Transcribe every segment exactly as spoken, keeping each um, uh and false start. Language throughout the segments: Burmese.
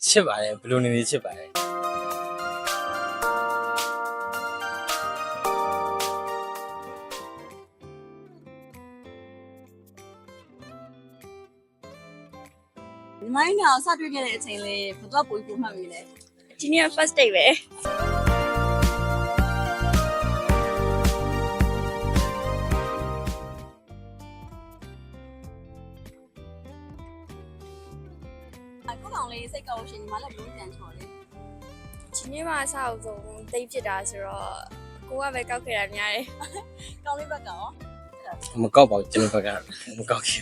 ချစ်ပါတယ်ဘလူနေနေချစ်ပါတယ်ဒီမိုင်းကတော့စတွေ့ခဲ့တဲ့အချိန်လေးဘယ်တော့ပို့ပို့မှတ်မိလဲဒီနေ့ first date ပဲအခုကောင်လေးစိတ်ကောက်ရှင်ဒီမှာလည်းဘလို့ပြန်ချော်လေဒီနေ့မှအဆောက်အဆုံး date ဖြစ်တာဆိုတော့ကိုကပဲကောက်ခဲ့တာများတယ်ကောင်းလေးဘက်ကရောမကောက်ပါဘူးကျွန်တော်ဘက်ကမကောက်ခင်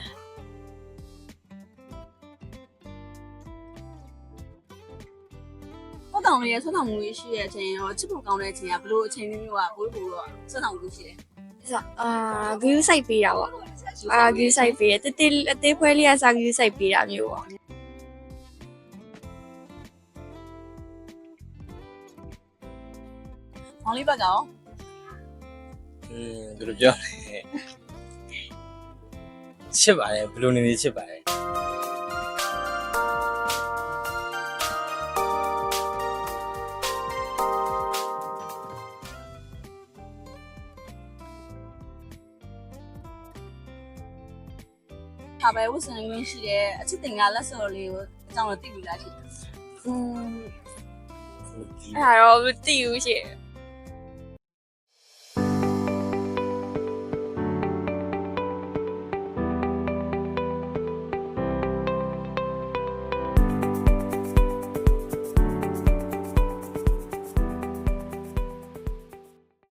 ဟုတ်ကောင်လေးရဲ့ဆွမ်းဆောင်မှုရှိတဲ့အချိန်ရောချစ်ဖို့ကောင်းတဲ့အချိန်ကဘလို့အချိန်မျိုးမျိုးကဘိုးဘိုးတော့ဆွမ်းဆောင်မှုရှိတယ်ဆိုတော့အာ view site ပေးတာပေါ့အာ view site ပေးတယ်တေးတေးအသေးဖွဲလေးကစာ view site ပေးတာမျိုးပေါ့ကောင်းလေးဘက်ကရောอืมဘယ်လိုပြောလဲချစ်ပါတယ်ဘလူနေနေချစ်ပါတယ်ဟာပဲဝတ်စင်ရင်းရှိတဲ့အချစ်တင်ကလက်စော်လေးကိုအကြောင်းတော့သိပြီလားရှင်อืมအဲ့ဒါတော့မသိဘူးရှင်